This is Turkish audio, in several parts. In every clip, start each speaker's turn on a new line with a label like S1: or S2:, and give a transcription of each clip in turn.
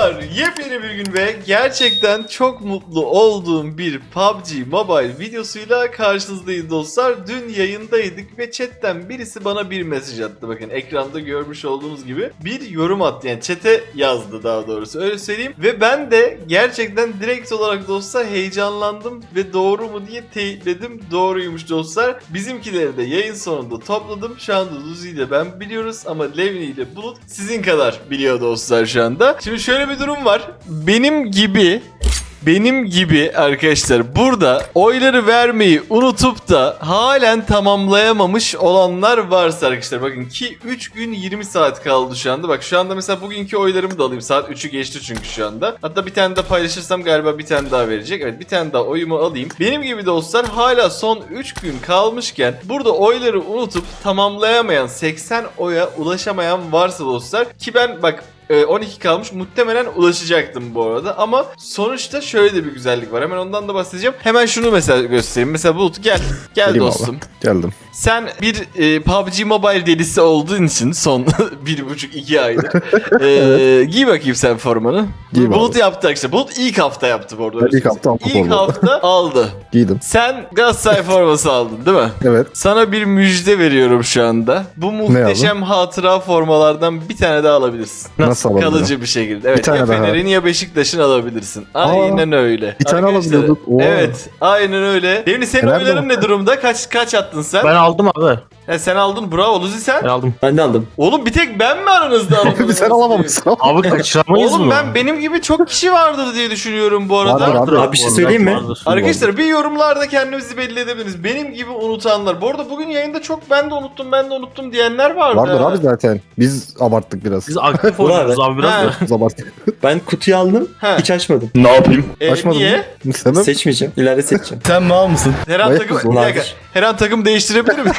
S1: Dostlar, yepyeni bir gün ve gerçekten çok mutlu olduğum bir PUBG Mobile videosuyla karşınızdayız dostlar. Dün yayındaydık ve chatten birisi bana bir mesaj attı. Bakın ekranda görmüş olduğunuz gibi bir yorum attı. Yani chat'e yazdı daha doğrusu, öyle söyleyeyim. Ve ben de gerçekten direkt olarak dostlar heyecanlandım ve doğru mu diye teyitledim. Doğruymuş dostlar. Bizimkileri de yayın sonunda topladım. Şu anda Luzi ile ben biliyoruz ama Levni ile Bulut sizin kadar biliyor dostlar şu anda. Şimdi şöyle bir durum var. Benim gibi arkadaşlar burada oyları vermeyi unutup da halen tamamlayamamış olanlar varsa arkadaşlar, bakın ki 3 gün 20 saat kaldı şu anda. Bak şu anda mesela bugünkü oylarımı da alayım. Saat 3'ü geçti çünkü şu anda. Hatta bir tane de paylaşırsam galiba bir tane daha verecek. Evet, bir tane daha oyumu alayım. Benim gibi dostlar hala son 3 gün kalmışken burada oyları unutup tamamlayamayan, 80 oya ulaşamayan varsa dostlar, ki ben bak 12 kalmış, muhtemelen ulaşacaktım bu arada ama sonuçta şöyle de bir güzellik var, hemen ondan da bahsedeceğim. Hemen şunu mesela göstereyim. Mesela Bulut gel
S2: Geleyim
S1: dostum.
S2: Abi. Geldim.
S1: Sen bir PUBG Mobile delisi olduğun için son 1,5-2 aydır giy bakayım sen formanı.
S2: Giyeyim
S1: Bulut
S2: abi.
S1: yaptı arkadaşlar. Bulut ilk hafta yaptı bu arada.
S2: İlk hafta aldım
S1: İlk
S2: formayı.
S1: hafta aldı.
S2: Giydim.
S1: Sen Galatasaray forması aldın değil mi?
S2: Evet.
S1: Sana bir müjde veriyorum şu anda. Bu muhteşem hatıra formalardan bir tane daha alabilirsin.
S2: Nasıl alabilirim?
S1: Kalıcı bir şekilde. Evet,
S2: tane
S1: ya
S2: daha.
S1: Fener'in ya Beşiktaş'ın alabilirsin. Aynen öyle.
S2: bir tane
S1: Arkadaşlar,
S2: alabiliyorduk. Oo.
S1: Evet, aynen öyle. Devni, senin
S2: Fener de
S1: oyların
S2: var.
S1: ne durumda? Kaç attın sen?
S3: Ben aldım abi.
S1: He, sen aldın, bravo. Luzi sen?
S3: Ben aldım.
S4: Ben de aldım.
S1: Oğlum bir tek ben mi aranızda alamadım?
S2: Bir sen alamamışsın.
S3: Abi kaçıramayız
S1: Oğlum
S3: mı?
S1: benim gibi çok kişi vardır diye düşünüyorum bu arada.
S2: Vardır abi.
S4: Abi bir şey söyleyeyim mi?
S1: Arkadaşlar bir yorumlarda kendinizi belli edebiliriz. Benim gibi unutanlar. Bu arada bugün yayında çok ben de unuttum diyenler vardı.
S2: Vardır abi zaten. Biz abarttık biraz.
S3: Biz aktif
S4: Ulan
S3: oynuyoruz abi biraz
S1: Ha.
S3: da.
S2: Biz abarttık.
S4: Ben kutuyu aldım.
S1: He.
S4: Hiç açmadım.
S3: Ne yapayım?
S2: Açmadın
S1: Niye?
S2: mı? Sebep?
S4: Seçmeyeceğim. İleride seçeceğim.
S3: Sen mal mısın?
S1: Her an
S2: Bayağı
S1: takım,
S2: zor.
S1: bir dakika. Her an takım değiştirebilir mi?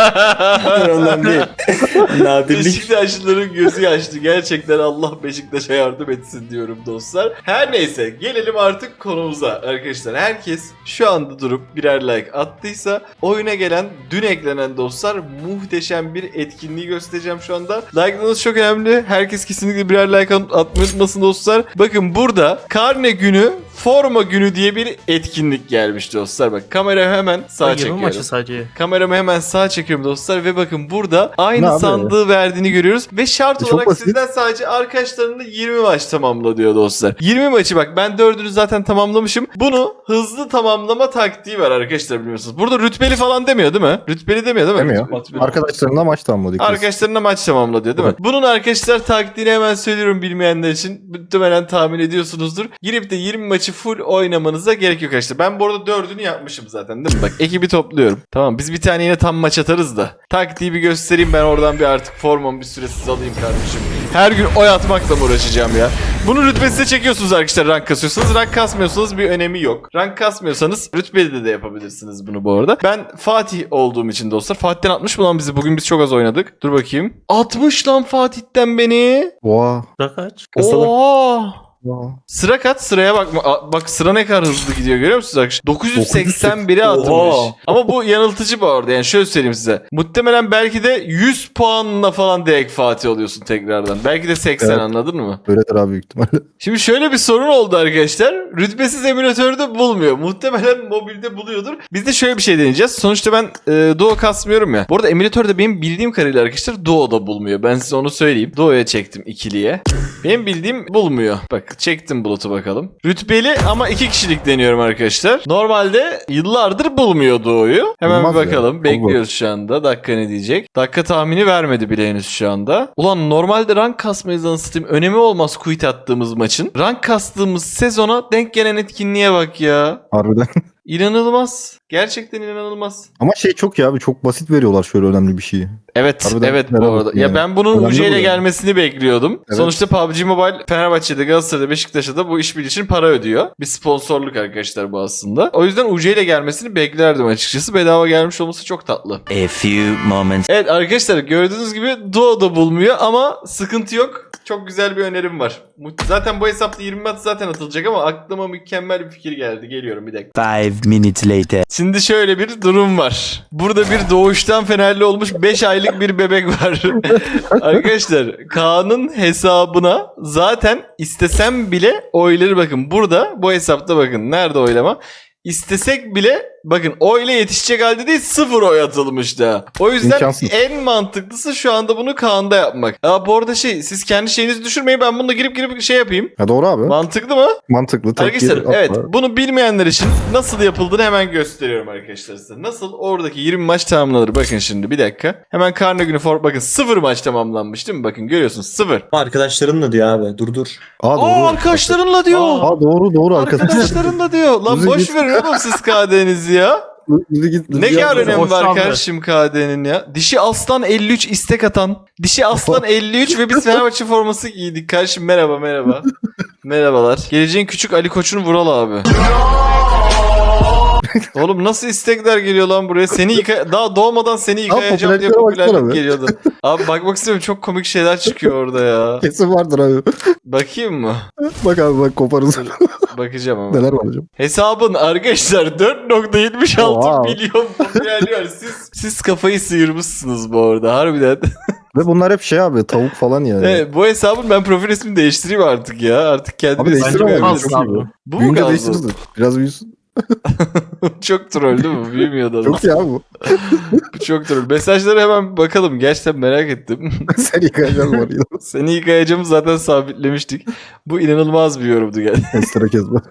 S4: Hayır, ondan değil. Nadirlik.
S1: Beşiktaşlıların gözü yaşlı. Gerçekten Allah Beşiktaş'a yardım etsin diyorum dostlar. Her neyse, gelelim artık konumuza arkadaşlar. Herkes şu anda durup birer like attıysa oyuna gelen, dün eklenen dostlar, muhteşem bir etkinliği göstereceğim şu anda. Like'larınız çok önemli. Herkes kesinlikle birer like atmayı unutmasın dostlar. Bakın burada karne günü, forma günü diye bir etkinlik gelmiş dostlar. Bak kamerayı hemen sağa
S3: Yirmi
S1: çekiyorum.
S3: maçı sadece.
S1: Kameramı hemen sağa çekiyorum dostlar ve bakın burada
S2: Ne
S1: aynı
S2: abi?
S1: sandığı verdiğini görüyoruz ve şart
S2: Çok
S1: olarak
S2: basit.
S1: sizden sadece arkadaşlarınla 20 maç tamamla diyor dostlar. 20 maçı, bak ben 4'ünü zaten tamamlamışım. Bunu hızlı tamamlama taktiği var arkadaşlar, biliyorsunuz. Burada rütbeli falan demiyor değil mi? Rütbeli demiyor değil mi?
S2: Demiyor.
S1: Rütbeli.
S2: Arkadaşlarımla maç tamamladık. biz.
S1: Arkadaşlarına maç tamamla diyor değil mi? Bunun arkadaşlar taktiğini hemen söylüyorum bilmeyenler için. Muhtemelen tahmin ediyorsunuzdur. Girip de 20 maçı full oynamanıza gerek yok arkadaşlar. Ben bu arada 4'ünü yapmışım zaten değil mi? Bak ekibi topluyorum. Tamam, biz bir tane yine tam maç atarız da. Taktiği bir göstereyim, ben oradan bir artık formamı bir süresiz alayım kardeşim. Her gün oy atmakla mı uğraşacağım ya? Bunu rütbesize çekiyorsunuz arkadaşlar, rank kasıyorsanız. Rank kasmıyorsanız bir önemi yok. Rank kasmıyorsanız rütbeli de yapabilirsiniz bunu bu arada. Ben Fatih olduğum için dostlar. Fatih'ten 60 mı lan bizi? Bugün biz çok az oynadık. Dur bakayım. 60 lan Fatih'ten beni.
S2: Oha.
S3: Da kaç?
S4: Kasalar.
S1: Oha.
S2: Oha.
S1: Sıra kaç? Sıraya bak. Bak sıra ne kadar hızlı gidiyor, görüyor musunuz arkadaşlar? 981'e atılmış.
S4: Oha.
S1: Ama bu yanıltıcı bu arada. Yani şöyle söyleyeyim size. Muhtemelen belki de 100 puanla falan direkt Fatih oluyorsun tekrardan. Belki de 80,
S2: Evet.
S1: anladın mı?
S2: Öyledir abi büyük ihtimalle.
S1: Şimdi şöyle bir sorun oldu arkadaşlar. Rütbesiz emülatörde bulmuyor. Muhtemelen mobilde buluyordur. Biz de şöyle bir şey deneyeceğiz. Sonuçta ben Duo kasmıyorum ya. Bu arada emülatörde benim bildiğim kadarıyla arkadaşlar Duo'da bulmuyor. Ben size onu söyleyeyim. Duo'ya çektim ikiliye. Benim bildiğim bulmuyor. Bak çektim Bulut'u bakalım. Rütbeli ama 2 kişilik deniyorum arkadaşlar. Normalde yıllardır bulmuyor Duo'yu. Hemen
S2: Bulmaz
S1: bir
S2: ya.
S1: bakalım. Bekliyoruz şu anda. Dakika ne diyecek? Dakika tahmini vermedi bile henüz şu anda. Ulan normalde rank kasmayız anasını. Önemi olmaz quit attığımız maçın. Rank kastığımız sezona denk gelen etkinliğe bak ya.
S2: Harbiden.
S1: İnanılmaz. Gerçekten inanılmaz.
S2: Ama şey çok ya abi, çok basit veriyorlar şöyle önemli bir şeyi.
S1: Evet,
S2: Harbiden
S1: evet bu
S2: merhaba
S1: arada. Ya
S2: yani.
S1: ben bunun
S2: Önemli
S1: UC ile
S2: bu yani.
S1: gelmesini bekliyordum.
S2: Evet.
S1: Sonuçta PUBG Mobile Fenerbahçe'de, Galatasaray'da, Beşiktaş'ta da bu işbirliği için para ödüyor. Bir sponsorluk arkadaşlar bu aslında. O yüzden UC ile gelmesini beklerdim açıkçası. Bedava gelmiş olması çok tatlı.
S5: A few moments.
S1: Evet arkadaşlar, gördüğünüz gibi Duo'da bulmuyor ama sıkıntı yok. Çok güzel bir önerim var. Zaten bu hesapta 20 maç zaten atılacak ama aklıma mükemmel bir fikir geldi. Geliyorum bir dakika.
S5: 5 minutes later.
S1: Şimdi şöyle bir durum var. Burada bir doğuştan Fenerli olmuş 5 aylık aylık bir bebek var. Arkadaşlar Kaan'ın hesabına zaten istesem bile oyları bakın. Burada bu hesapta bakın. Nerede oylama? İstesek bile bakın oyla yetişecek halde değil 0 oy atılmış da. O yüzden
S2: İmkansız.
S1: en mantıklısı şu anda bunu Kaan'da yapmak. Ya bu arada siz kendi şeyinizi düşürmeyin, ben bunu da girip şey yapayım.
S2: Ha doğru abi.
S1: Mantıklı mı?
S2: Mantıklı. Tek
S1: Arkadaşlar
S2: atma.
S1: evet, bunu bilmeyenler için nasıl yapıldığını hemen gösteriyorum arkadaşlar size. Nasıl oradaki 20 maç tamamlanır, bakın şimdi bir dakika. Hemen Carnegie'nin bakın 0 maç tamamlanmış değil mi? Bakın görüyorsunuz 0.
S4: Arkadaşlarınla diyor abi. Dur.
S2: Aa doğru.
S1: Aa arkadaşlarınla diyor.
S2: Aa doğru arkadaşlar.
S1: Arkadaşlarınla diyor. Lan
S2: Bizi
S1: boş
S2: git.
S1: verin oğlum siz KD'nizi ya. Ne kadar önemi var kardeşim KD'nin ya. Dişi Aslan 53 istek atan. Dişi Aslan 53 ve biz Fenerbahçe forması giydik. Kardeşim merhaba. Merhabalar. Geleceğin küçük Ali Koç'un Vural abi. Oğlum nasıl istekler geliyor lan buraya? Daha doğmadan seni yıkayacağım diye
S2: popülerliklere baksana
S1: popülerlik
S2: be.
S1: geliyordu. Abi bakmak istiyorum, çok komik şeyler çıkıyor orada ya.
S2: Kesin vardır abi.
S1: Bakayım mı?
S2: Bak abi bak koparız.
S1: Bakacağım ama.
S2: Neler var hocam?
S1: Hesabın arkadaşlar 4.76
S2: Oha.
S1: milyon popülerliği var. Siz kafayı sıyırmışsınuz bu arada harbiden.
S2: Ve bunlar hep şey abi tavuk falan yani.
S1: Evet, bu hesabın ben profil ismini değiştireyim artık ya. Artık kendimi
S2: Abi değiştir ama
S1: değiştiremem.
S2: çok iyi bu.
S1: Bu mu
S2: Büyünce
S1: kaldı?
S2: değiştirirsin. Biraz büyüsün.
S1: Çok troll değil mi? Büyümüyor da.
S2: Çok iyi abi bu.
S1: Bu çok troll. Mesajlara hemen bakalım. Gerçekten merak ettim.
S2: Sen yıkayacaksın var ya.
S1: Seni yıkayacağımı zaten sabitlemiştik. Bu inanılmaz bir yorumdu gel.
S2: Estere kezme.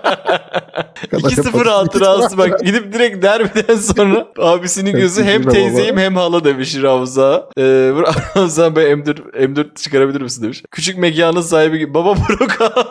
S1: 2-0 hatırası bak, gidip direkt derbiden sonra abisinin gözü hem teyzeyim hem hala demiş Ravza. Ravza ben M4 çıkarabilir misin demiş. Küçük mekanın sahibi gibi. Baba Prokan.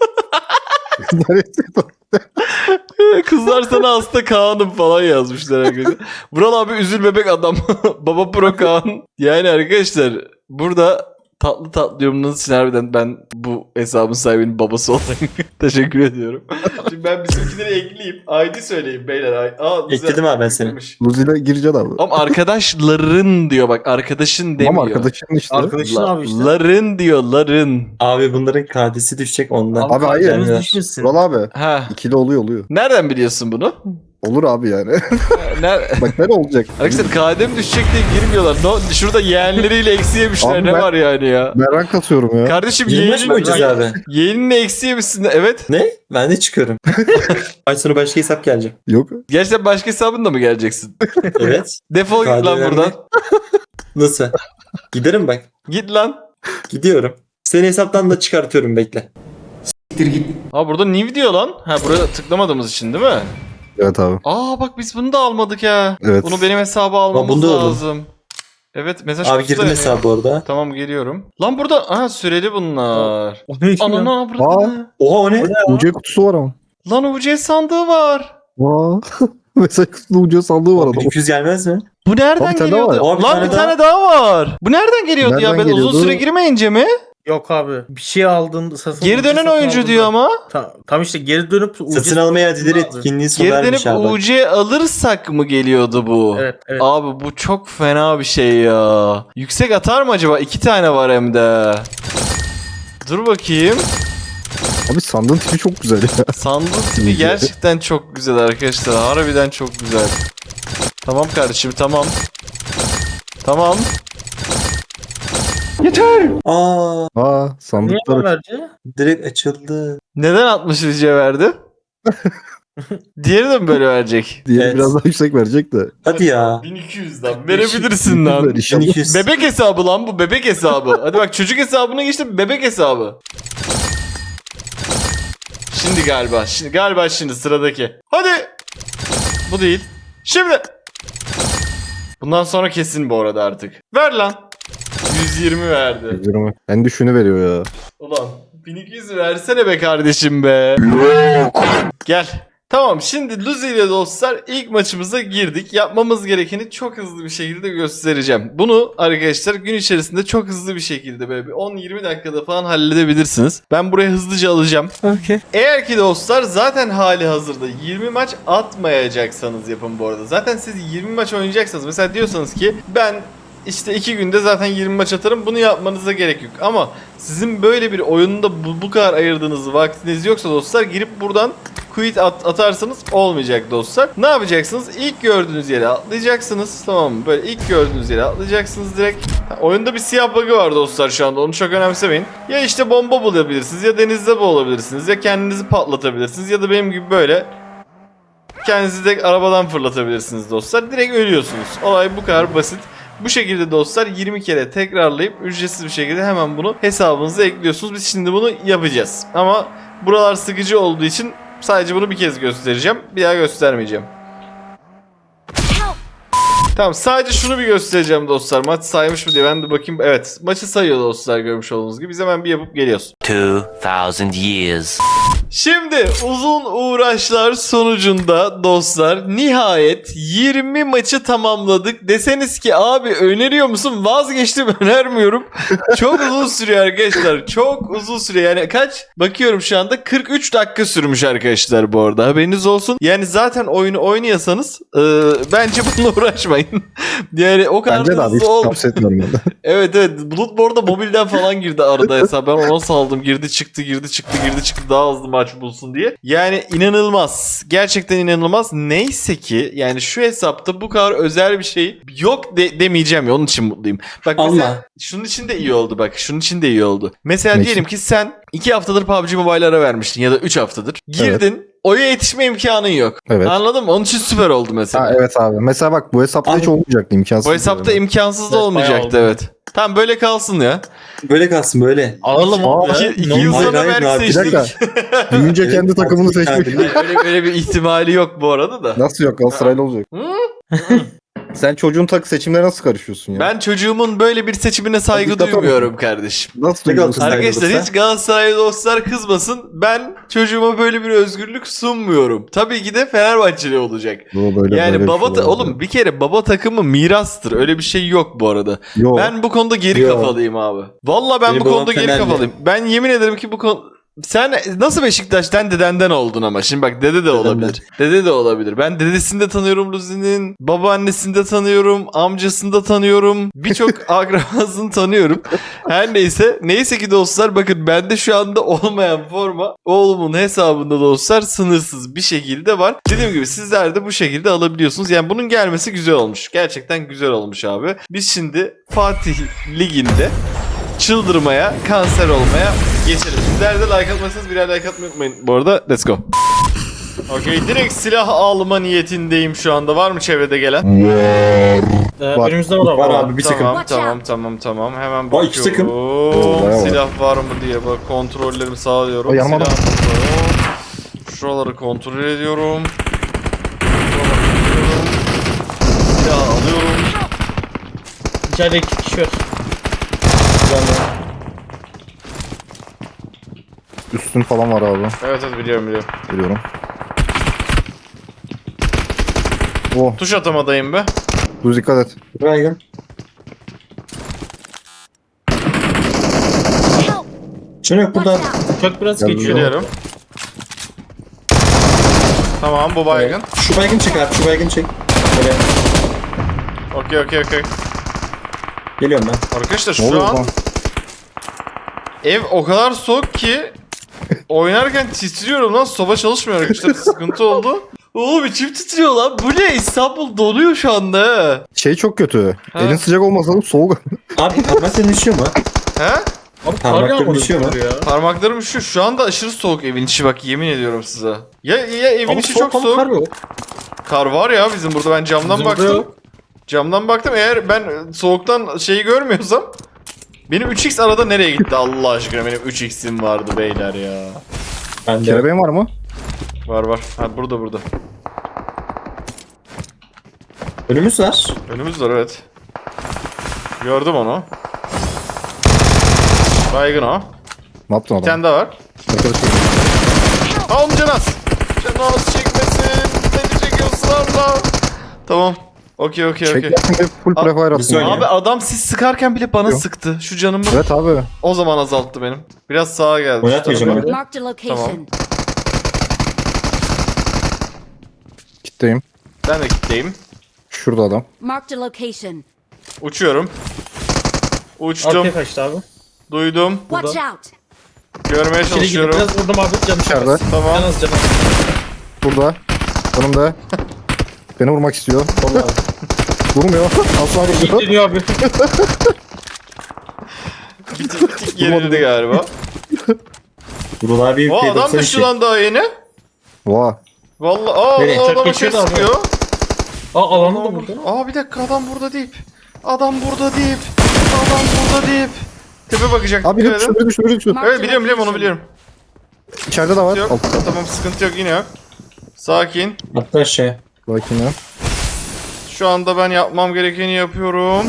S1: Kızlar sana hasta Kaan'ım falan yazmışlar arkadaşlar. Vural abi üzül bebek adam. Baba Prokan. Yani arkadaşlar burada tatlı yorumlarınız için harbiden ben bu hesabın sahibinin babası olarak teşekkür ediyorum. Şimdi ben bizimkileri ekleyeyim. ID söyleyeyim beyler.
S4: Ekledim abi ben seni.
S2: Luzi'yle gireceksin abi.
S1: Ama arkadaşların diyor bak, arkadaşın demiyor.
S2: Ama arkadaşın işte.
S3: Arkadaşın abi işte.
S1: Ların diyor, ların.
S4: Abi bunların KD'si düşecek ondan.
S2: Abi hayır.
S4: Yani-
S3: Düşmesin.
S2: Vural abi.
S1: Ha.
S2: İkili oluyor.
S1: Nereden biliyorsun bunu?
S2: Olur abi yani. Bak ne olacak?
S1: Arkadaşlar KDM düşecek diye girmiyorlar. Şurada yeğenleriyle eksi yemişler,
S2: Abi
S1: ne
S2: ben-
S1: var yani ya.
S2: Ben rank atıyorum ya.
S1: Kardeşim
S4: 25 mi oynayacağız abi?
S1: yeğenini eksi yemişsin. Evet.
S4: Ne? Ben de çıkıyorum. Ay sonra başka hesap gelecek.
S2: Yok.
S1: Gerçekten başka hesabınla mı geleceksin?
S4: Evet.
S1: Defol git lan
S4: KDM.
S1: buradan.
S4: Nasıl? Giderim bak.
S1: Git lan.
S4: Gidiyorum. Seni hesaptan da çıkartıyorum bekle.
S1: Ha burada new diyor lan. Ha buraya tıklamadığımız için değil mi?
S2: Evet abi.
S1: Aa bak biz bunu da almadık ya.
S2: Evet.
S1: Bunu benim hesaba almamız
S4: bunu da aldım.
S1: lazım. Evet mesaj
S4: Abi
S1: kutusu
S4: girdim
S1: da-
S4: hesabı orada.
S1: Tamam geliyorum. Lan burada süreli bunlar.
S3: O ne ki ya?
S1: Ananı avradını.
S4: Oha o ne?
S2: UC kutusu var ama.
S1: Lan UC sandığı var.
S2: Vaa. Mesela kutusunda UC sandığı var adam.
S4: 1200 gelmez mi?
S1: Bu nereden
S2: Abi, bir tane
S1: geliyordu?
S4: daha var. Abi,
S1: Lan bir
S4: bir tane
S1: tane daha var. Bu nereden geliyordu ya?
S2: Nereden
S1: Ben uzun
S2: geliyordu?
S1: süre girmeyince mi?
S3: Yok abi. Bir şey aldın.
S1: Geri dönen oyuncu diyor ama.
S3: Tam işte geri dönüp
S4: Satın almaya adileri
S3: Lazım.
S4: etkinliği sona
S1: Geri
S4: ermiş
S1: dönüp
S4: abi.
S1: UC alırsak mı geliyordu bu?
S3: Evet.
S1: Abi bu çok fena bir şey ya. Yüksek atar mı acaba? 2 tane var hem de. Dur bakayım.
S2: Abi sandığın tipi çok güzel ya.
S1: Sandığın tipi gerçekten çok güzel arkadaşlar. Harbiden çok güzel. Tamam kardeşim tamam. Tamam.
S4: Aa,
S2: Aa
S3: Niye
S2: sandıklar.
S3: haberci?
S4: direkt açıldı.
S1: Neden 60 rica verdi? Diğeri de mi böyle verecek?
S2: Diğeri
S4: Evet.
S2: biraz daha yüksek verecek de.
S4: Hadi ya.
S1: 1200 lan. Verebilirsin lan.
S2: İnşallah.
S4: 1200.
S1: Bebek hesabı lan bu, bebek hesabı. Hadi bak çocuk hesabına geçtim, bebek hesabı. Şimdi sıradaki. Hadi. Bu değil. Şimdi. Bundan sonra kesin bu arada artık. Ver lan. 120 verdi.
S2: En düşünü veriyor ya.
S1: Ulan 1200 versene be kardeşim be. Gel. Tamam şimdi Luzi ile dostlar ilk maçımıza girdik. Yapmamız gerekeni çok hızlı bir şekilde göstereceğim. Bunu arkadaşlar gün içerisinde çok hızlı bir şekilde böyle bir 10-20 dakikada falan halledebilirsiniz. Ben buraya hızlıca alacağım.
S4: Okay.
S1: Eğer ki dostlar zaten hali hazırda 20 maç atmayacaksanız yapın bu arada. Zaten siz 20 maç oynayacaksanız mesela diyorsanız ki ben işte 2 günde zaten 20 maç atarım. Bunu yapmanıza gerek yok. Ama sizin böyle bir oyunda bu kadar ayırdığınız vaktiniz yoksa dostlar girip buradan quit atarsanız olmayacak dostlar. Ne yapacaksınız? İlk gördüğünüz yere atlayacaksınız. Tamam mı? Böyle ilk gördüğünüz yere atlayacaksınız direkt. Oyunda bir siyah bug'ı var dostlar şu anda. Onu çok önemsemeyin. Ya işte bomba bulabilirsiniz ya denizde boğulabilirsiniz ya kendinizi patlatabilirsiniz ya da benim gibi böyle kendinizi de arabadan fırlatabilirsiniz dostlar. Direkt ölüyorsunuz. Olay bu kadar basit. Bu şekilde dostlar 20 kere tekrarlayıp ücretsiz bir şekilde hemen bunu hesabınıza ekliyorsunuz. Biz şimdi bunu yapacağız. Ama buralar sıkıcı olduğu için sadece bunu bir kez göstereceğim. Bir daha göstermeyeceğim. Tamam, sadece şunu bir göstereceğim dostlar. Maç saymış mı diye ben de bakayım. Evet, maçı sayıyor dostlar, görmüş olduğunuz gibi. Biz hemen bir yapıp geliyoruz.
S5: 2000 years.
S1: Şimdi uzun uğraşlar sonucunda dostlar nihayet 20 maçı tamamladık. Deseniz ki abi öneriyor musun? Vazgeçtim, önermiyorum. Çok uzun sürüyor arkadaşlar. Çok uzun sürüyor. Yani kaç? Bakıyorum şu anda 43 dakika sürmüş arkadaşlar bu arada. Haberiniz olsun. Yani zaten oyunu oynuyorsanız bence bununla uğraşmayın. Yani o kadar
S2: Bence de
S1: da
S2: abi hiç
S1: hızlı olmuyor.
S2: tavsiye etmiyorum ben de.
S1: Evet evet. Bulut bu arada mobilden falan girdi arada hesap. Ben ona saldım. Girdi çıktı girdi çıktı girdi çıktı. Daha hızlı maç bulsun diye. Yani inanılmaz. Gerçekten inanılmaz. Neyse ki yani şu hesapta bu kadar özel bir şey yok demeyeceğim ya. Onun için mutluyum. Bak mesela
S4: Allah.
S1: şunun için de iyi oldu bak. Şunun için de iyi oldu. Mesela
S2: Ne
S1: diyelim
S2: için?
S1: ki sen 2 haftadır PUBG Mobile ara vermiştin ya da 3 haftadır. Girdin. Oya yetişme imkanın yok.
S2: Evet.
S1: Anladın mı? Onun için süper oldu mesela.
S2: Ha, evet abi. Mesela bak bu hesapta
S4: Abi,
S2: hiç olmayacaktı, imkansız.
S1: Bu hesapta
S2: yani.
S1: imkansız da
S3: Evet,
S1: olmayacaktı
S3: bayağı
S1: evet. Tamam böyle kalsın ya.
S4: Böyle kalsın böyle.
S3: Alalım abi.
S2: Aa,
S3: ya.
S1: İki yıl
S4: Hayır,
S1: sonra
S4: hayır,
S1: belki
S4: abi,
S2: Bir
S1: seçtik.
S2: dakika. Büyünce kendi takımını seçmek.
S1: Öyle bir ihtimali yok bu arada da.
S2: Nasıl yok? Galatasaraylı olacak. Sen çocuğun seçimlere nasıl karışıyorsun ya?
S1: Ben çocuğumun böyle bir seçimine saygı
S2: Diktatör
S1: duymuyorum kardeşim.
S2: Nasıl
S4: Ne
S2: duyuyorsun?
S4: Galatasaray-
S1: Arkadaşlar
S4: olursa?
S1: hiç Galatasaraylı dostlar kızmasın. Ben çocuğuma böyle bir özgürlük sunmuyorum. Tabii ki de Fenerbahçeli olacak.
S2: Bu böyle,
S1: Yani
S2: böyle
S1: baba
S2: bir şey
S1: oğlum bir kere baba takımı mirastır. Öyle bir şey yok bu arada.
S2: Yok.
S1: Ben bu konuda geri
S4: Yok.
S1: kafalıyım abi. Vallahi ben
S4: Benim
S1: bu
S4: babam
S1: konuda geri
S4: Fenerli.
S1: kafalıyım. Ben yemin ederim ki bu konu... Sen nasıl Beşiktaş'tan dedenden oldun ama? Şimdi bak dede de
S4: Dedemden.
S1: olabilir. Dede de olabilir. Ben dedesini de tanıyorum Luzi'nin. Babaannesini de tanıyorum. Amcasını da tanıyorum. Birçok akrabasını tanıyorum. Her neyse. Neyse ki dostlar bakın bende şu anda olmayan forma oğlumun hesabında dostlar sınırsız bir şekilde var. Dediğim gibi sizler de bu şekilde alabiliyorsunuz. Yani bunun gelmesi güzel olmuş. Gerçekten güzel olmuş abi. Biz şimdi Fatih Ligi'nde çıldırmaya, kanser olmaya geçelim. Sizler de like atmazsanız birer like atmayı unutmayın. Bu arada let's go. Okey, direkt silah alma niyetindeyim şu anda. Var mı çevrede gelen?
S2: Var.
S3: Önümüzde var
S4: Var
S3: abi.
S4: abi bir takım.
S1: Tamam. Hemen
S4: Aa, iki takım.
S1: bakıyorum.
S2: bayağı var.
S1: Silah var mı diye bak kontrollerimi sağlıyorum.
S2: Ay, yanıma
S1: Silah
S2: bak.
S1: burada. Şuraları kontrol ediyorum. Silah alıyorum.
S3: İçeride 2 kişi var.
S2: Üstün falan var abi.
S1: Evet biliyorum.
S2: Biliyorum. Oh,
S1: Tuş atamadayım be.
S2: dur dikkat et.
S4: Baygın. Şunu yok burada.
S3: Uçak biraz
S2: Geldim.
S3: geçiyor.
S1: Geliyorum. Tamam bu baygın.
S4: Şu baygın çek abi. Şu baygın çek. Böyle.
S1: Okey.
S4: Geliyorum ben.
S1: Arkadaşlar
S2: Ne
S1: şu
S2: oluyor
S1: an
S2: lan?
S1: ev o kadar soğuk ki oynarken titriyorum lan. Soba çalışmıyor arkadaşlar. Sıkıntı oldu. Oğlum içim titriyor lan. Bu ne? İstanbul donuyor şu anda. he.
S2: Şey çok kötü.
S1: Ha.
S2: Elin sıcak olmasa da soğuk.
S4: Abi parmakların düşüyor mu?
S1: He?
S3: Abi kar
S4: Parmakları
S3: yağmadı
S4: düşüyor mu?
S3: ya.
S1: Parmaklarım şu anda aşırı soğuk evin içi bak yemin ediyorum size. Ya evin
S3: Ama
S1: içi çok
S3: ama
S1: soğuk.
S3: kar yok.
S1: Kar var ya bizim burada ben camdan
S3: Bizim burada
S1: baktım.
S3: yok.
S1: Camdan baktım eğer ben soğuktan şeyi görmüyorsam benim 3x arada nereye gitti Allah aşkına benim 3x'im vardı beyler ya.
S4: Ben de.
S2: Kelebeğin var mı?
S1: Var. Ha burada.
S4: Önümüz var.
S1: Önümüz var evet. Gördüm onu. Baygın o.
S2: Ne yaptın
S1: Bir
S2: adam?
S1: tane daha var.
S2: Arkadaşım.
S1: Oğlum Canaz. Canaz çekmesin. Seni çekiyorsun Allah. Tamam. Okey.
S2: Çeklersin de full
S1: Aa,
S2: prefire
S4: bir
S2: attın.
S4: saniye.
S2: ya.
S1: Abi adam siz sıkarken bile bana
S2: Yok.
S1: sıktı. Şu canımı
S2: Evet abi.
S1: o zaman azalttı benim. Biraz sağa geldi. şu
S4: Oynatmayacağım
S1: tarafa.
S4: abi.
S6: Marked a location.
S2: Kitleyim.
S1: Ben de kitleyim.
S2: Şurada adam.
S6: Marked a location.
S1: Uçuyorum. Uçtum.
S3: Arkaya kaçtı abi.
S1: Duydum.
S6: Watch out!
S1: Görmeye
S3: İçeri girdi.
S1: çalışıyorum.
S3: Biraz vurdum abi. Canı
S2: İçeride.
S3: çok az.
S1: Tamam.
S3: Can az can az.
S2: Burada. Önümde. Beni vurmak istiyor.
S4: Vallahi.
S2: Vurmuyor. Asla vurmuyor.
S3: Deniyor abi.
S1: Bir tık gerildi galiba.
S4: Vural abi
S1: O adam
S4: P92.
S1: düştü lan daha yeni.
S2: Vaa.
S1: Vallahi
S4: Nereye?
S1: Allah
S3: Çok
S1: adama şey
S3: geçiyordu abi.
S1: sıkıyor.
S3: Alanı da vurdu.
S1: Bir dakika adam burada deyip. Adam burada deyip. Adam burada deyip. Tepe bakacak.
S2: Abi
S1: dikkat
S2: düştü,
S1: edin.
S2: biri düştü.
S1: Evet biliyorum onu biliyorum.
S2: İçeride de var.
S1: Yok.
S2: Altta.
S1: Tamam sıkıntı yok yine yok. Sakin.
S4: Atla aşağıya.
S2: Bakayım ya.
S1: Şu anda ben yapmam gerekeni yapıyorum.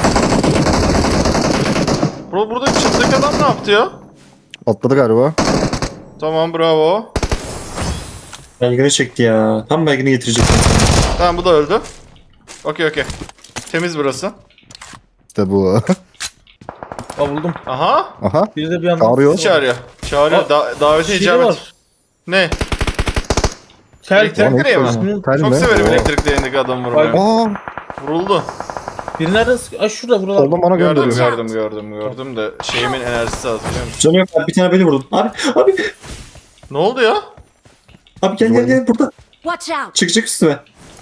S1: Burada çıplak adam ne yaptı ya?
S2: Atladı galiba.
S1: Tamam bravo.
S4: Baygını çekti ya. Tam baygını getirecektim.
S1: Tamam bu da öldü. Okey. Temiz burası.
S2: İşte bu.
S3: Aa buldum.
S1: Aha.
S2: Aha.
S3: Biri de bir anda.
S2: Çağırıyor.
S1: Çağırıyor. Çağırıyor. Davete
S3: Şey
S1: icabet.
S3: var.
S1: Ne?
S3: Tel
S1: Elektrik
S3: tel.
S1: direği mi?
S2: Tel
S1: Çok
S2: mi?
S1: severim
S2: Oo.
S1: elektrik direğindeki adam vurmayı.
S2: Aa.
S1: Vuruldu.
S3: Biri nereden sıkıyor? Ay şurada buralar.
S2: Soldan bana gönderiyor.
S1: Gördüm de şeyimin enerjisi az biliyor musun?
S4: Canı yok abi, bir tane böyle vurdum. Abi
S1: Ne oldu ya?
S4: gel burada.
S6: Watch out!
S4: Çık üstüme.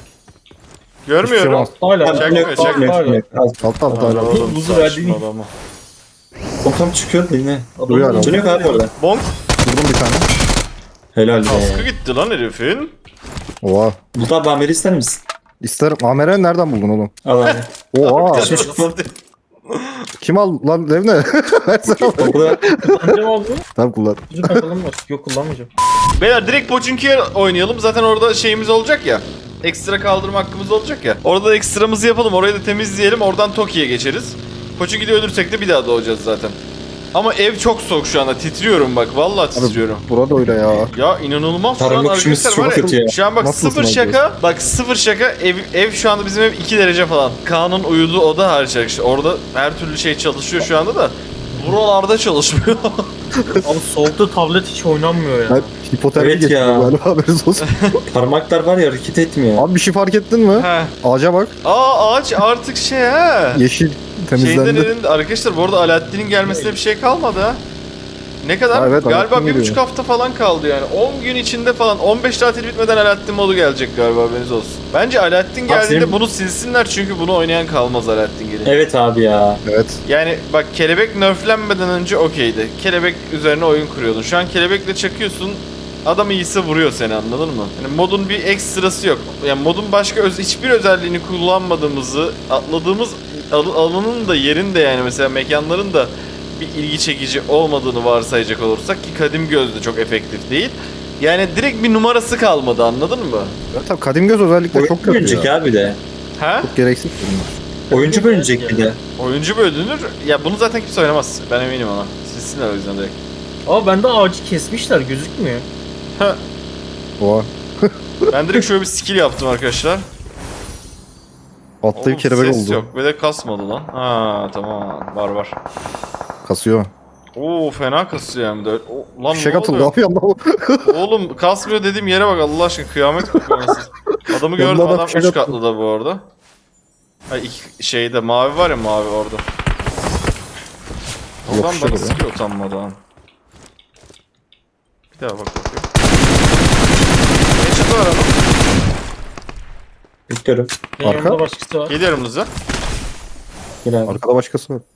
S1: Görmüyorum.
S3: Hala.
S1: Çekmiyor, çekmiyor.
S2: Altta altta hala.
S1: Oğlum,
S3: Buzu
S1: saçma
S3: verdiğin-
S1: adamı.
S4: O tam çıkıyor da yine.
S2: Duyuyor hala.
S4: Canı yok abi orada.
S1: Bonk.
S2: Vurdum bir tane.
S4: Helal
S1: Kaskı
S4: be.
S1: gitti lan herifin.
S2: Oha.
S4: Bulut abi Amer'i ister misin?
S2: İsterim. Amer'i nereden buldun oğlum?
S4: Al abi.
S2: Oha.
S4: Kaçmış kutu.
S2: Kim al lan Levne? Versene.
S4: Orada
S3: Kullanacağım abi.
S2: Tamam kullan.
S3: Bizim takalım var. Yok kullanmayacağım.
S1: Beyler direkt Pochinki'ye oynayalım. Zaten orada şeyimiz olacak ya. Ekstra kaldırma hakkımız olacak ya. Orada da ekstramızı yapalım. Orayı da temizleyelim. Oradan Toki'ye geçeriz. Pochinki'de ölürsek de bir daha doğacağız zaten. Ama ev çok soğuk şu anda. Titriyorum bak. Vallahi titriyorum.
S2: Burada öyle ya.
S1: Ya inanılmaz şu an
S4: Tarım kuşumuz
S1: arkadaşlar var
S4: çok kötü ya.
S1: ya. Şu an bak
S2: Nasıl
S1: sıfır
S2: ısınacağız?
S1: şaka. Bak sıfır şaka. Ev şu anda bizim ev 2 derece falan. Kaan'ın uyuduğu oda hariç arkadaşlar. Orada her türlü şey çalışıyor şu anda da. Buralarda çalışmıyor.
S3: Abi soğukta tablet hiç oynanmıyor ya.
S2: Ben hipotermi
S4: Evet
S2: geçtim
S4: ya.
S2: galiba haberiniz olsun.
S4: parmaklar var ya hareket etmiyor.
S2: Abi bir şey fark ettin mi?
S1: He.
S2: Ağaca bak.
S1: Ağaç artık şey ha.
S2: Yeşil
S1: Şeyden
S2: temizlendi.
S1: elinde arkadaşlar bu arada Alaaddin'in gelmesine bir şey kalmadı ha. Ne kadar?
S2: Ha, evet,
S1: galiba
S2: Alaaddin
S1: 1,5
S2: geliyor.
S1: hafta falan kaldı yani. 10 gün içinde falan 15 tatil bitmeden Alaaddin modu gelecek galiba haberiniz olsun. Bence Alaaddin geldiğinde
S4: senin-
S1: bunu silsinler çünkü bunu oynayan kalmaz Alaaddin gelince.
S4: Evet abi ya.
S2: Evet.
S1: Yani bak kelebek nerflenmeden önce okeydi. Kelebek üzerine oyun kuruyordun. Şu an kelebekle çakıyorsun. Adam iyisi vuruyor seni anladın mı? Yani modun bir ekstrası yok. Yani modun başka hiçbir özelliğini kullanmadığımızı, atladığımız alanın da yerin de yani mesela mekanların da bir ilgi çekici olmadığını varsayacak olursak ki Kadim Göz de çok efektif değil. Yani direkt bir numarası kalmadı anladın mı?
S2: Ya tabii kadim göz özellikle çok
S4: Oyuncu
S2: kötü
S4: bölünecek
S2: ya.
S4: abi de.
S1: He?
S2: Çok gereksiz bunlar.
S4: Oyuncu bölünecek bir de.
S1: Oyuncu bölünür. Ya bunu zaten kimse oynamaz. Ben eminim ona. Silsinler o yüzden direkt.
S3: Ama bende ağacı kesmişler gözükmüyor.
S2: Oha.
S1: Ben direkt şöyle bir skill yaptım arkadaşlar.
S2: Atlayıp
S1: Oğlum,
S2: kelebek
S1: ses
S2: oldu.
S1: yok ve de kasmadı lan. Ha tamam var.
S2: Kasıyor.
S1: Oo fena kasıyor hem de. Lan
S2: Fişek
S1: ne
S2: atıldı
S1: oluyor?
S2: abi yandan.
S1: Oğlum kasmıyor dediğim yere bak Allah aşkına kıyamet kopuyor nasıl. Adamı gördüm
S2: Yanına da
S1: adam
S2: fişek
S1: 3
S2: atıyor.
S1: katlı da bu arada. Ay iki şeyde mavi var ya mavi orada. Oradan
S2: Yapışır
S1: bana
S2: ya.
S1: sıkıyor utanmadan. Bir daha bak bakayım. Ne çıktı var adam?
S4: Bekliyorum.
S3: Benim
S2: Arka?
S3: yanımda başkası var.
S1: Geliyorum hızlı.
S4: Gel abi.
S2: Arkada başkası var.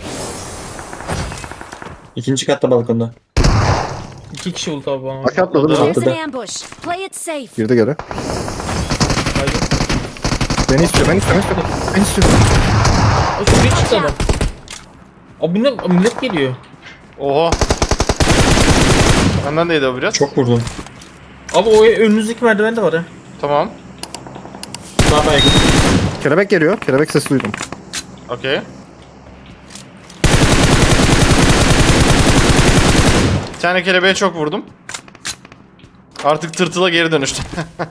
S4: İkinci katta balkonda.
S3: 2 kişi ulti abi bana.
S2: Bak atladı mı?
S1: Atladı.
S6: There's
S4: Atladı.
S6: an ambush. Play it safe.
S2: Girdi geri.
S3: Haydi.
S2: Beni istiyor, beni istiyor, beni istiyor. Beni istiyor.
S3: Aa, şuraya çıktı adam. Abi millet geliyor.
S1: Oha. Benden değdi o biraz.
S4: Çok vurdun.
S3: Abi o önünüzdeki merdiven de var ha.
S1: Tamam.
S4: Daha baygın.
S2: Kelebek geliyor. Kelebek sesi duydum.
S1: Okey. Bir tane kelebeğe çok vurdum. Artık tırtıla geri dönüştüm.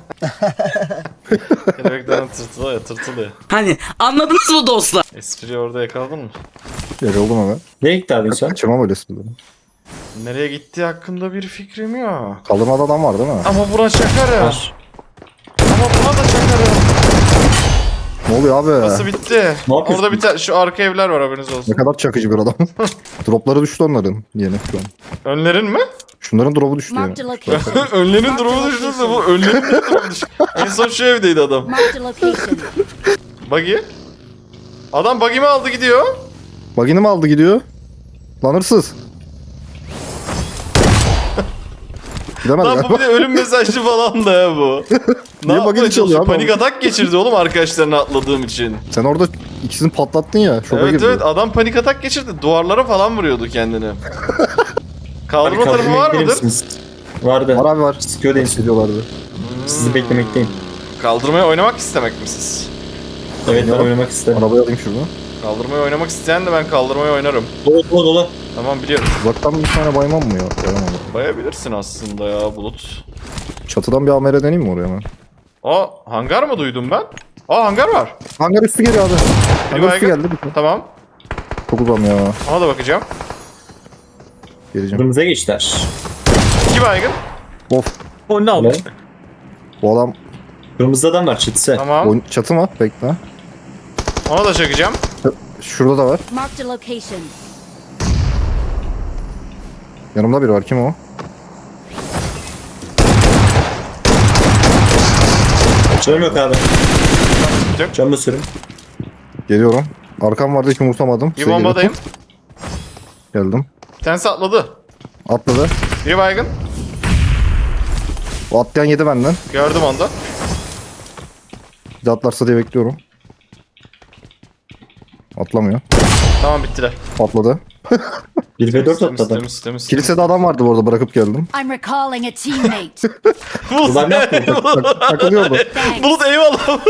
S1: Kelebekten tırtıla ya tırtıla ya.
S7: Hani anladınız mı dostlar?
S1: Espriyi orada yakaladın mı?
S2: Geri oldum hemen.
S4: Nereye gitti abi sen?
S2: Kaçırmam öyle esprileri.
S1: Nereye gittiği hakkında bir fikrim yok.
S2: Kaldırmada adam var değil mi?
S1: Ama buna çakarım.
S4: Var.
S1: Ama buna da çakarım.
S2: Ne oluyor abi?
S1: Nasıl bitti?
S4: Ne yapıyorsun?
S1: Orada bir tane şu arka evler var, haberiniz
S2: Ne
S1: olsun.
S2: kadar çakıcı bir adam. Dropları düştü onların yeni şu an.
S1: Önlerin mi?
S2: Şunların drop'u düştü
S6: Marked a
S2: yani.
S6: location.
S1: Önlerin durumu düştü de bu önlerin de durumu düştü. En son şu evdeydi adam.
S6: Marked a location.
S1: Buggy. Adam buggy'mi aldı gidiyor.
S2: Bagini mi aldı gidiyor? Lan hırsız. Gidemez
S1: Lan bu
S2: galiba.
S1: bir de ölüm mesajlı falan da ya bu. Ne
S2: Niye
S1: yapmaya
S2: buggy çalıyor
S1: çalışıyor?
S2: abi?
S1: Panik atak geçirdi oğlum arkadaşlarına atladığım için.
S2: Sen orada ikisini patlattın ya. Şoka
S1: Evet
S2: girdi.
S1: evet, adam panik atak geçirdi. Duvarlara falan vuruyordu kendini.
S4: Abi
S1: Kaldırma tarafı
S4: kaldırmaya
S1: var
S4: gelir
S1: mıdır?
S4: misiniz? Vardı.
S2: Var abi var.
S4: Sıkıyor da insin.
S2: Ediyorlardı.
S4: Sizi beklemekteyim.
S1: Kaldırmaya oynamak istemek mi siz?
S4: Evet ben
S2: Ya.
S4: oynamak isterim.
S2: Arabayı alayım şuradan.
S1: Kaldırmaya oynamak isteyen de ben kaldırmaya oynarım.
S4: Dolu dolu dolu.
S1: Tamam, biliyorum.
S2: Uzaktan bir tane baymam mı ya? Bayamam.
S1: Bayabilirsin aslında ya Bulut.
S2: Çatıdan bir AMR deneyeyim mi oraya hemen?
S1: Aa, hangar mı duydum ben? Aa, hangar var.
S2: Hangar üstü geliyor abi. Hangar üstü
S1: baygın.
S2: geldi.
S1: Tamam.
S2: Çok uzam ya.
S1: Ona da bakacağım.
S2: Geleceğim.
S4: Kırmızıya geçtiler.
S1: 2 baygın.
S2: Of.
S3: O ne
S4: Ne?
S3: oldu?
S2: Bu adam
S4: Kırmızı adam var çatısı.
S1: Tamam.
S2: çatı mı? Bekle.
S1: Ona da çakacağım.
S2: Şurada da var.
S6: Marked a location.
S2: Yanımda biri var. Kim o?
S4: Canım yok abi.
S1: Yok.
S4: Can basıyorum.
S2: Geliyorum. Arkam vardı hiç umursamadım.
S1: Bir
S2: Size
S1: bombadayım.
S2: Geldim.
S1: Bir tanesi atladı.
S2: Atladı.
S1: Bir baygın.
S2: O atlayan yedi benden.
S1: Gördüm onu da.
S2: Bir de atlarsa diye bekliyorum. Atlamıyor.
S1: Tamam, bittiler.
S2: Atladı.
S4: 1 ve 4
S1: Temiz,
S4: atladı.
S1: temiz, temiz.
S2: Kilisede adam vardı bu arada, bırakıp geldim.
S6: I'm recalling a teammate.
S1: Bulut,
S4: Ulan ne yaptın?
S2: Takılıyordu.
S6: Thanks.
S1: Bulut eyvallah.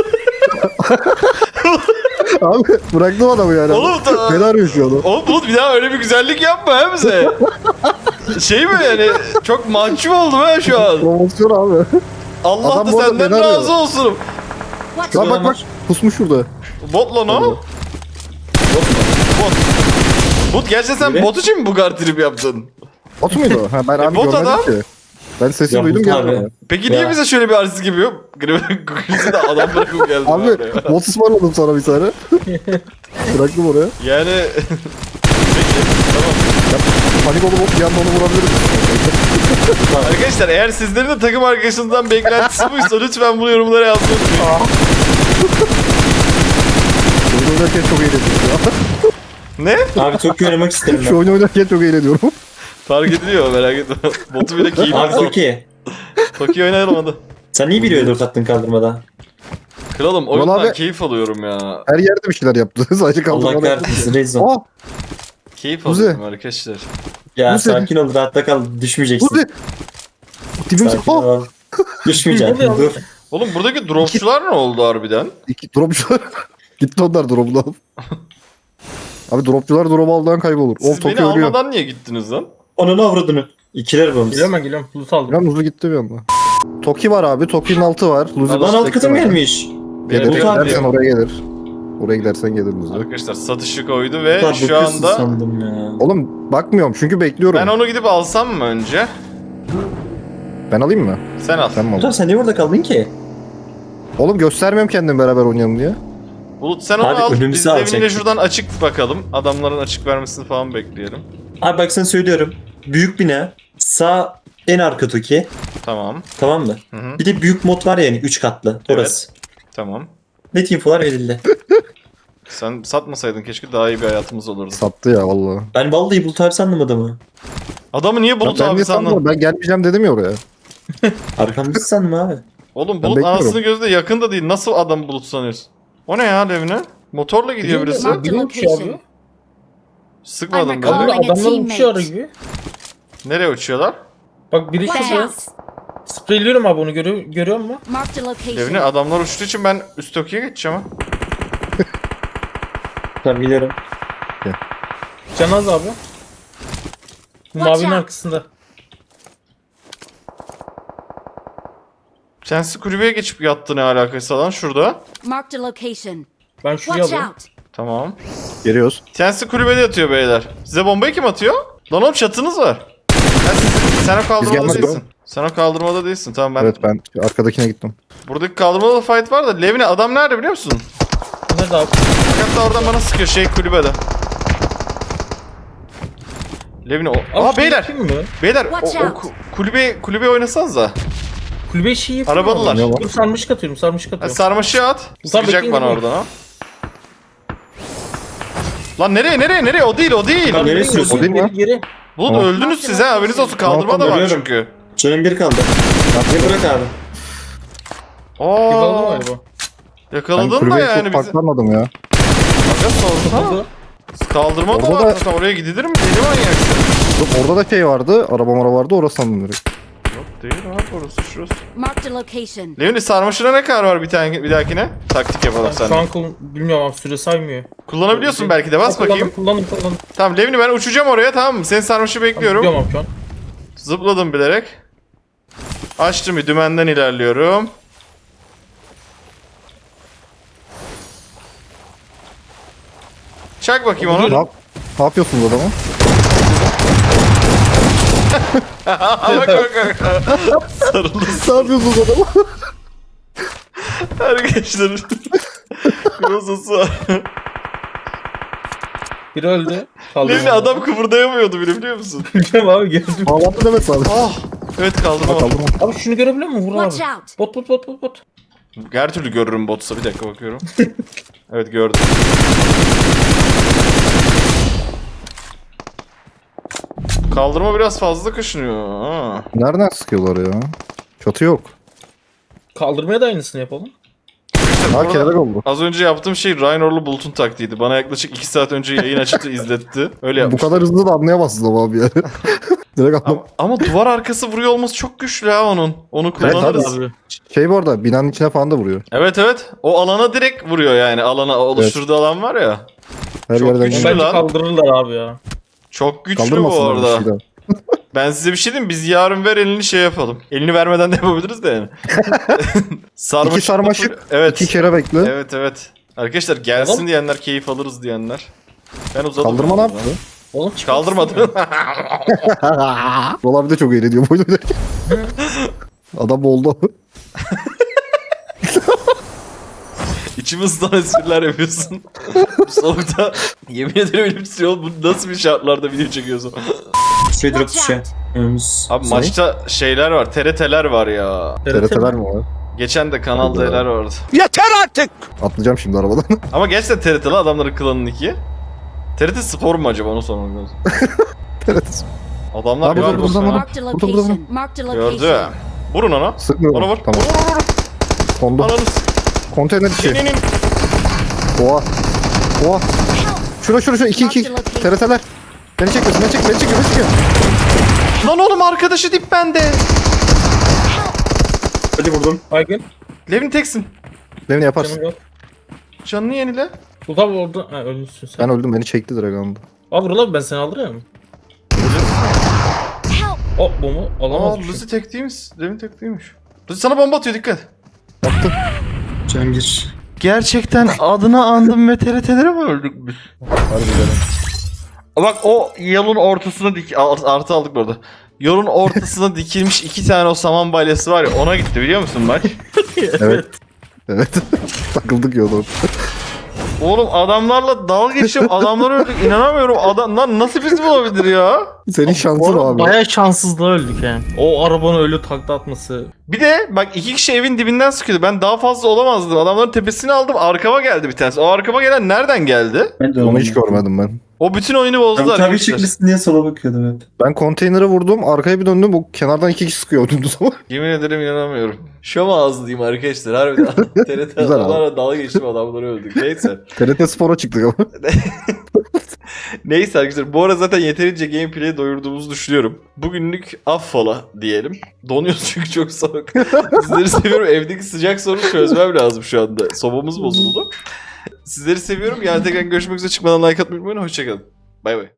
S2: Abi bıraktım adamı yani.
S1: Oğlum da-
S2: Beni arıyor şu an.
S1: Oğlum Bulut, bir daha öyle bir güzellik yapma ha bize. Şey mi yani, çok mahcup oldum ha şu an.
S2: Promosyon abi.
S1: Allah
S2: Adam
S1: da
S2: bu arada
S1: senden
S2: beni arıyor.
S1: razı olsun.
S6: Watch
S2: Lan
S6: out.
S2: bak bak. Pusmuş şurada.
S1: Bot lan o. Bot. Bot, gerçekten sen
S4: Yürü.
S1: bot için mi bu kadar trip yaptın?
S2: Bot muydu? Ha, ben abi
S1: bot
S2: görmedim
S1: adam.
S2: ki. Ben sesi
S4: Ya
S2: duydum
S4: bot
S2: geldim.
S4: abi.
S2: Abi,
S1: Peki niye
S4: Ya.
S1: bize şöyle bir artist gibi yok? Gülüzü de adam bırakıp geldi.
S2: abi bot ısmarladım sana bir tane. Bıraktım oraya.
S1: Yani... Peki, tamam.
S2: Panik olup bir anda onu vurabilirim.
S1: Arkadaşlar, eğer sizlerin de takım arkadaşınızdan beklentisi buysa lütfen bunu yorumlara yazmayı unutmayın.
S2: Oyun oynarken çok eğleniyorum ya.
S1: Ne?
S4: Abi çok oynamak isterim
S2: Şu
S4: ben.
S2: oyun oynarken çok eğleniyorum.
S1: Fark ediliyor, merak etme. Botu bile keyif
S4: Abi çok iyi.
S1: Toki oynayalım hadi.
S4: Sen niye 1 ve 4 attın kaldırmada?
S1: Kralım, oyundan
S2: abi-
S1: keyif alıyorum ya.
S2: Her yerde bir şeyler yaptı. Sadece
S4: Allah
S2: kaldırmadan.
S4: kahretsin Rezon.
S2: Oh!
S1: Keyif
S2: Kuzi.
S1: alıyorum arkadaşlar.
S4: Ya
S2: Kuzi.
S4: sakin ol, rahatta kal, düşmeyeceksin.
S2: Kuzi! Tipim
S4: Sakin
S2: oh!
S4: ol. Düşmeyeceksin, dur.
S1: Oğlum, buradaki dropçular ne oldu harbiden?
S2: İki dropçular. Gitti onlar drop'unu alıp. Abi dropçular drop aldan kaybolur.
S1: Siz
S2: Of
S1: beni
S2: Tokyo ölüyor.
S1: almadan niye gittiniz lan?
S4: Onun avradını. İkiler babamız.
S3: Geliyorum ben geliyorum. Bulut aldım.
S2: Biraz hızlı gitti bir anda. Toki var abi. Toki'nin altı var. Luzi
S1: Lan
S4: Lan alt katım
S2: bekle.
S4: gelmiş.
S2: Gelir.
S1: Bulut abi.
S2: Gidersen oraya gelir. Oraya gidersen gelir Luzi.
S1: Arkadaşlar, satışı koydu ve
S4: Lan
S1: şu
S4: bakıyorsun
S1: anda...
S4: sandım ya.
S2: Oğlum bakmıyorum çünkü bekliyorum.
S1: Ben onu gidip alsam mı önce?
S2: Ben alayım mı?
S1: Sen al.
S2: Sen mi
S4: Hocam
S2: aldın?
S4: sen niye orada kaldın ki?
S2: Oğlum göstermiyorum kendimi beraber oynayalım diye.
S1: Bulut, sen onu
S4: Abi,
S1: al.
S4: önümüzü
S1: Biz de
S4: alacaktık.
S1: evine şuradan açık bakalım. Adamların açık vermesini falan bekleyelim.
S4: Abi bak sana söylüyorum. Büyük bina. Sağ en arka Toki.
S1: Tamam.
S4: Tamam mı?
S1: Hı hı.
S4: Bir de büyük mod var yani 3 katlı. Orası.
S1: Tamam.
S4: Net infolar verildi.
S1: Sen satmasaydın keşke, daha iyi bir hayatımız olurdu.
S2: Sattı ya vallahi.
S4: Ben vallahi Bulut abi sandım adamı.
S1: Adamı niye Bulut
S2: ben
S1: abi
S2: niye
S1: sandın?
S2: sanmıyorum? Ben gelmeyeceğim dedim ya oraya.
S4: Arkamızı sandım abi.
S1: Oğlum,
S2: Ben
S1: Bulut
S2: bekliyorum.
S1: anasını gözde yakın da değil. Nasıl adam Bulut sanıyorsun? O ne ya evine? Motorla gidiyor birisi.
S6: Marked a
S3: Biri uçuyor abi.
S6: location.
S1: Sıkmadım
S6: I'm
S1: ben.
S3: Abi
S6: Calling a
S3: adamlar uçuyor
S6: teammate.
S3: gibi.
S1: Nereye uçuyorlar?
S3: Bak biri
S6: Watch
S3: şurada.
S6: out.
S3: Spreyliyorum abi onu görüyor musun?
S6: Marked a location.
S1: Evine adamlar uçtuğu için ben üst Tokyo'ya geçeceğim ha.
S4: Tabii biliyorum.
S3: Canaz abi. Bu
S6: Watch
S3: mavinin
S6: out.
S3: arkasında.
S1: Kendisi kulübeye geçip yattı, ne alakası lan şurada.
S6: Marked a location.
S3: Ben şuraya
S6: Watch
S3: alıyorum.
S6: out.
S1: Tamam.
S2: Geliyoruz.
S1: Kendisi kulübede yatıyor beyler. Size bombayı kim atıyor? Lan oğlum, çatınız var. Sen o kaldırmada
S2: gelmedik
S1: değilsin. Sen o kaldırmada değilsin. Tamam, ben
S2: Evet ben arkadakine gittim.
S1: buradaki kaldırmada da fight var da Levine adam nerede biliyor musun?
S3: Nerede abi?
S1: Hatta oradan bana sıkıyor kulübede. Levni o.
S3: Abi
S1: Aa
S3: şunu
S1: beyler.
S3: yapayım mı?
S1: Beyler
S6: Watch
S1: o
S6: out.
S1: kulübe oynasanıza.
S3: Kulübe şey yapayım.
S1: Arabalılar.
S3: mı?
S2: Ne var?
S3: Dur sarmışık atıyorum sarmışık
S1: Ha,
S3: atıyorum.
S1: sarmaşığı at.
S3: Tamam,
S1: Sıkacak
S3: bekleyin,
S1: bana
S3: bekleyin.
S1: oradan ha. Lan nereye? O değil.
S3: Lan
S4: Nereye sürüyorsun?
S2: O değil mi
S3: Geri
S2: lan?
S3: geri.
S1: Bulut
S2: Tamam.
S1: öldünüz siz ha, haberiniz olsun. Kaldırma da var
S4: Görüyorum.
S1: çünkü.
S4: Canım bir kaldı. Bir bırak abi.
S3: Yakaladın
S1: Aa,
S3: galiba.
S2: Ben
S1: yakaladın da
S2: kulübeyi
S1: yani
S2: çok
S1: bizi.
S2: farklanmadım ya.
S1: Aga sorsana.
S3: Oldu.
S1: Kaldırma da
S2: Orada
S1: var.
S2: da-
S1: Zaten oraya gidilir mi? Deli manyaksın.
S2: Orada da şey vardı. Araba vardı. Orası sandım direkt.
S1: Yok değil abi, orası şurası.
S6: Marked a location.
S1: Levni sarmaşına ne kadar var bir dahakine? Taktik yapalım
S3: Şu
S1: seninle.
S3: an bilmiyorum abi süre saymıyor.
S1: Kullanabiliyorsun belki de, bas bakayım.
S3: Kullandım.
S1: Tamam Levni, ben uçacağım oraya, tamam mı? Senin sarmaşı bekliyorum.
S3: Biliyorum abi şu an.
S1: Zıpladım bilerek. Açtım, bir dümenden ilerliyorum. Çak bakayım onu.
S2: Ne yapıyorsunuz adamı?
S1: Sarıldı.
S2: Ne yapıyorsunuz adamı?
S1: Arkadaşlar. Krosası var.
S3: Biri öldü. Kaldırma.
S1: Levni adam kıpırdayamıyordu bile, biliyor musun?
S3: Biliyorum abi gördüm.
S2: Bağlantı demesi abi.
S1: Ah. Evet, kaldırma.
S2: Kaldırma.
S3: Abi şunu görebiliyor musun? Vur
S6: Watch
S3: abi.
S6: out.
S3: Bot.
S1: Her türlü görürüm botsa, bir dakika bakıyorum. Evet, gördüm. Kaldırma biraz fazla kaşınıyor. Ha.
S2: Nereden sıkıyorlar ya? Çatı yok.
S3: Kaldırmaya da aynısını yapalım.
S2: Ha kelebek oldu.
S1: Az önce yaptığım şey Raynor'lu Bulut'un taktiğiydi. Bana yaklaşık 2 saat önce yayın açıp izletti. Öyle
S2: Bu
S1: yapmış.
S2: kadar hızlı da anlayamazsınız ama abi yani. Direkt anlam.
S1: Ama duvar arkası vuruyor olması çok güçlü ha onun. Onu kullanırız.
S3: Abi.
S2: Şey bu arada binanın içine falan da vuruyor.
S1: Evet. O alana direkt vuruyor yani. Alana oluşturduğu alan var ya.
S2: Her
S1: Çok
S2: yerden
S1: güçlü.
S2: geliyor.
S3: Bence
S1: lan.
S3: kaldırırlar abi ya.
S1: Çok güçlü bu
S2: Kaldırmasınlar bir
S1: arada.
S2: şey daha.
S1: Ben size bir şey diyeyim mi? Biz yarın ver elini şey yapalım. Elini vermeden de yapabiliriz de yani. Sarmaşık.
S2: İki sarmaşık,
S1: Evet.
S2: 2 kere bekle.
S1: Evet. Arkadaşlar gelsin
S3: Oğlum.
S1: diyenler, keyif alırız diyenler. Ben uzadım.
S2: Kaldırma ne yaptı?
S3: Oğlum çıkmak
S1: Kaldırmadım.
S2: Rol abi de çok eğleniyor bu oyunu. Adam oldu.
S1: İçimizden espriler yapıyorsun. Bu soğukta yemin ederim elim titriyor. Bu nasıl bir şartlarda video çekiyorsun?
S4: Şey drop
S6: Watch
S4: şey.
S6: out.
S4: Önümüz.
S1: Abi maçta şeyler var, TRT'ler var ya.
S2: TRT'ler mi var?
S1: Geçen de Kanal D'ler vardı.
S2: Atlayacağım şimdi arabadan.
S1: Ama gerçekten TRT'li adamların klanın iki. TRT Spor mu acaba, onu sormak lazım.
S2: TRT.
S1: Adamlar
S2: Abi,
S1: galiba
S2: dur, dur,
S1: fena.
S2: dur.
S6: Marked a
S2: Burada.
S6: location. Marked a
S1: Gördü.
S6: location.
S1: Vurun ona.
S2: Sıkmıyorum.
S1: Ona vur.
S2: Tamam.
S1: Vur.
S2: Kondu.
S1: Ananı
S2: Konteyner içi.
S1: s***inin.
S2: Oha. Oha. Şura 2 TRT'ler. Beni çekiyor.
S1: Lan oğlum, arkadaşı dip bende.
S4: Hadi vurdum.
S3: Baygın.
S1: Levin teksin.
S2: Levni yaparsın.
S3: Canım yok.
S1: Canını yenile.
S3: Uzak oldu. Ha ölmüşsün sen.
S2: Ben öldüm, beni çekti direkt anda.
S3: Abi vur lan ben seni aldırıyorum.
S6: Help.
S3: O bu mu?
S1: Aa,
S3: Alamazmışım.
S1: Lucy tek değilmiş. Levin tek değilmiş. Lucy sana bomba atıyor, dikkat.
S2: Baktım.
S4: Can gir.
S1: Gerçekten adını andım ve TRT'lere mi öldük biz?
S2: Harbiden.
S1: Bak o yolun ortasına artı aldık burada. Yolun ortasına dikilmiş 2 tane o saman balyası var ya, ona gitti biliyor musun maç?
S2: Evet. Takıldık yolda.
S1: Oğlum adamlarla dalga geçip adamları öldük, inanamıyorum. Adamlar nasıl bizim olabilir ya?
S2: Senin şansın o abi.
S3: Baya şanssızlığa öldük yani. O arabanın öyle takla atması.
S1: Bir de bak 2 kişi evin dibinden sıkıyordu. Ben daha fazla olamazdım. Adamların tepesini aldım. Arkama geldi bir tanesi. O arkama gelen nereden geldi?
S4: Ben de
S2: Onu hiç görmedim ben.
S1: O bütün oyunu bozdu
S4: Tabii
S1: arkadaşlar.
S4: çekmişsin diye sola bakıyordum hep.
S2: Ben konteynere vurdum, arkaya bir döndüm, o kenardan 2 kişi sıkıyor dümdüz ama.
S1: Yemin ederim inanamıyorum. Şom ağızlıyım arkadaşlar. Harbiden TRT
S2: Güzel
S1: adamlarla dalga geçip adamları öldük. Neyse.
S2: TRT Spor'a çıktık ama.
S1: Neyse arkadaşlar. Bu arada zaten yeterince gameplay'i doyurduğumuzu düşünüyorum. Bugünlük affola diyelim. Donuyoruz çünkü çok soğuk. Sizleri seviyorum. Evdeki sıcak sorunu çözmem lazım şu anda. Sobamız bozuldu. Sizleri seviyorum. Yani tekrar görüşmek üzere. Çıkmadan like atmayı unutmayın. Hoşçakalın. Bay bay.